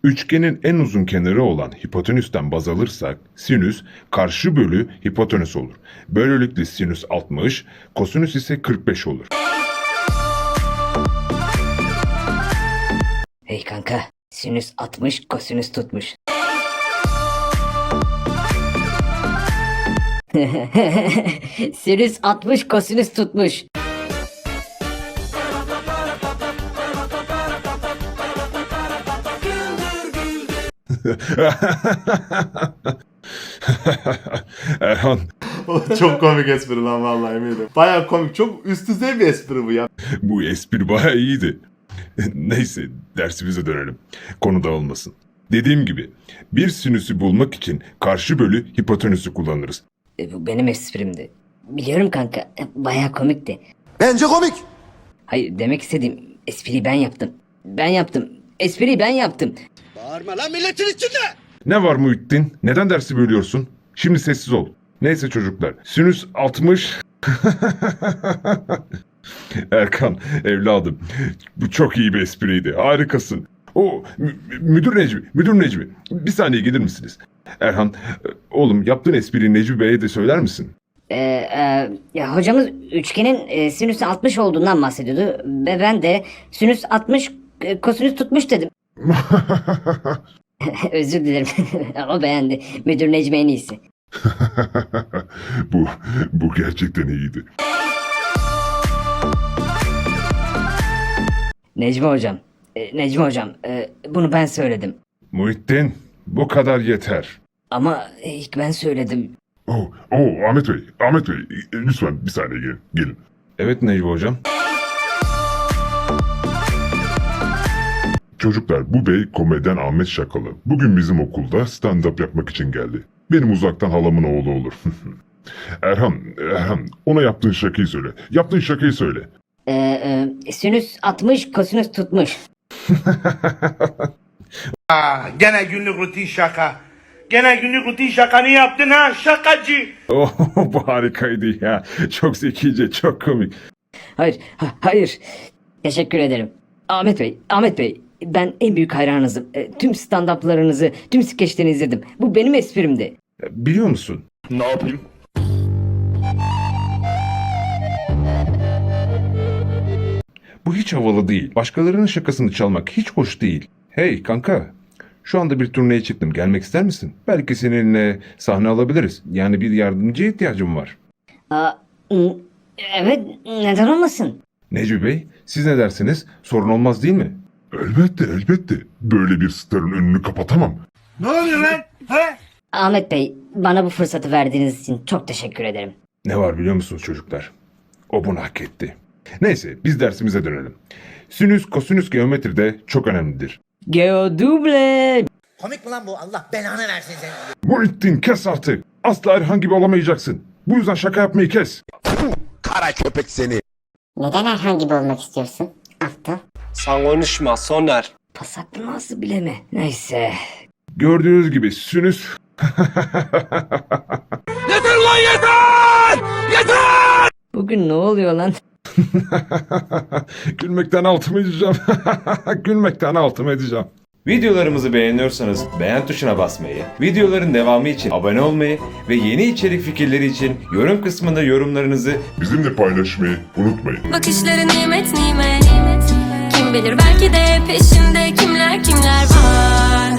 Üçgenin en uzun kenarı olan hipotenüsten baz alırsak sinüs karşı bölü hipotenüs olur. Böylelikle sinüs 60, kosinüs ise 45 olur. Hey kanka, sinüs 60, kosinüs tutmuş. Sinüs 60, kosinüs tutmuş. Erhan, Çok komik espri lan vallahi eminim. Baya komik. Çok üst düzey bir espri bu ya. bu espri bayağı iyiydi. Neyse, dersimize dönelim. Konu dağılmasın. Dediğim gibi, bir sinüsü bulmak için karşı bölü hipotenüsü kullanırız. Bu benim esprimdi. Biliyorum kanka, bayağı komikti. Bence komik. Hayır, demek istediğim espriyi ben yaptım. Ben yaptım. Espriyi ben yaptım. Bağırma lan milletin içinde. Ne var Muhittin? Neden dersi bölüyorsun? Şimdi sessiz ol. Neyse çocuklar, sinüs 60... Erkan, evladım, bu çok iyi bir espriydi. Harikasın. Müdür Necmi, bir saniye gelir misiniz? Erhan, oğlum yaptığın espriyi Necmi Bey'e de söyler misin? Ya hocamız üçgenin sinüsü 60 olduğundan bahsediyordu. Ve ben de sinüs 60, kosinüs tutmuş dedim. Özür dilerim. O beğendi. Müdür Necmi en iyisi. bu gerçekten iyiydi. Necmi hocam, bunu ben söyledim. Muhittin, bu kadar yeter. Ama ilk ben söyledim. Ahmet Bey, lütfen bir saniye gelin. Evet Necmi hocam. Çocuklar, bu bey komedyen Ahmet Şakalı. Bugün bizim okulda stand-up yapmak için geldi. Benim uzaktan halamın oğlu olur. Erhan, ona yaptığın şakayı söyle. Sinüs 60, kosinüs tutmuş. Gene günlük rutin şaka. Gene günlük rutin şakanı yaptın ha şakacı. Bu harikaydı ya. Çok zekice, çok komik. Hayır. Teşekkür ederim. Ahmet Bey, ben en büyük hayranınızım. Tüm stand-up'larınızı, tüm skeçlerini izledim. Bu benim esprimdi. Biliyor musun? Ne yapayım? Bu hiç havalı değil. Başkalarının şakasını çalmak hiç hoş değil. Hey kanka, şu anda bir turneye çıktım. Gelmek ister misin? Belki seninle sahne alabiliriz. Yani bir yardımcıya ihtiyacım var. Evet, neden olmasın? Necmi Bey, siz ne dersiniz? Sorun olmaz değil mi? Elbette. Böyle bir starın önünü kapatamam. Ne oluyor lan? He? Ahmet Bey, bana bu fırsatı verdiğiniz için çok teşekkür ederim. Ne var biliyor musunuz çocuklar? O bunu hak etti. Neyse, biz dersimize dönelim. Sinüs, kosinüs geometride çok önemlidir. Geoduble. Komik mi lan bu? Allah belanı versin seni. Muhittin, kes artık. Asla Erhan gibi olamayacaksın. Bu yüzden şaka yapmayı kes. Kara köpek seni. Neden Erhan gibi olmak istiyorsun? Aptal. Sen konuşma Soner. Pasaklı nasıl bileme. Neyse. Gördüğünüz gibi sinüs... Bugün ne oluyor lan? Gülmekten altımı edeceğim. Videolarımızı beğeniyorsanız beğen tuşuna basmayı, videoların devamı için abone olmayı ve yeni içerik fikirleri için yorum kısmında yorumlarınızı Bizimle paylaşmayı unutmayın. Bakışları nimet nimet. Kim bilir belki de peşinde kimler var.